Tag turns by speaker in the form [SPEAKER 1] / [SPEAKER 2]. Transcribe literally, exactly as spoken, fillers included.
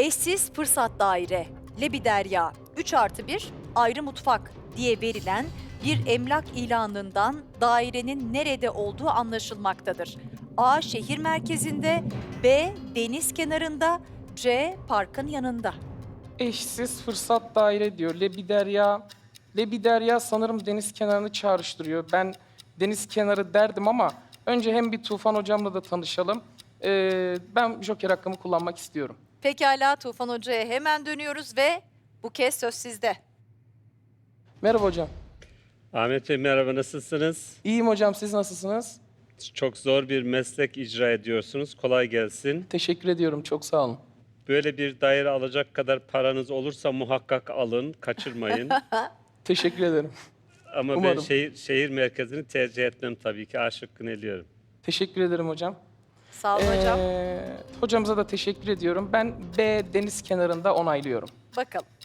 [SPEAKER 1] Eşsiz fırsat daire, Lebiderya, üç artı bir ayrı mutfak diye verilen bir emlak ilanından dairenin nerede olduğu anlaşılmaktadır. A. Şehir merkezinde, B. Deniz kenarında, C. Parkın yanında.
[SPEAKER 2] Eşsiz fırsat daire diyor. Lebiderya. Lebiderya sanırım deniz kenarını çağrıştırıyor. Ben deniz kenarı derdim ama önce hem bir Tufan hocamla da tanışalım. Ee, ben Joker hakkımı kullanmak istiyorum.
[SPEAKER 1] Pekala, Tufan Hoca'ya hemen dönüyoruz ve bu kez söz sizde.
[SPEAKER 2] Merhaba hocam.
[SPEAKER 3] Ahmet Bey merhaba, nasılsınız?
[SPEAKER 2] İyiyim hocam, siz nasılsınız?
[SPEAKER 3] Çok zor bir meslek icra ediyorsunuz. Kolay gelsin.
[SPEAKER 2] Teşekkür ediyorum, çok sağ olun.
[SPEAKER 3] Böyle bir daire alacak kadar paranız olursa muhakkak alın, kaçırmayın.
[SPEAKER 2] Teşekkür ederim.
[SPEAKER 3] Ama ben
[SPEAKER 2] Umarım.
[SPEAKER 3] şehir, şehir merkezini tercih etmem tabii ki. A şıkkını eliyorum.
[SPEAKER 2] Teşekkür ederim hocam.
[SPEAKER 1] Sağ olun hocam.
[SPEAKER 2] Ee, hocamıza da teşekkür ediyorum. Ben B deniz kenarında onaylıyorum.
[SPEAKER 1] Bakalım.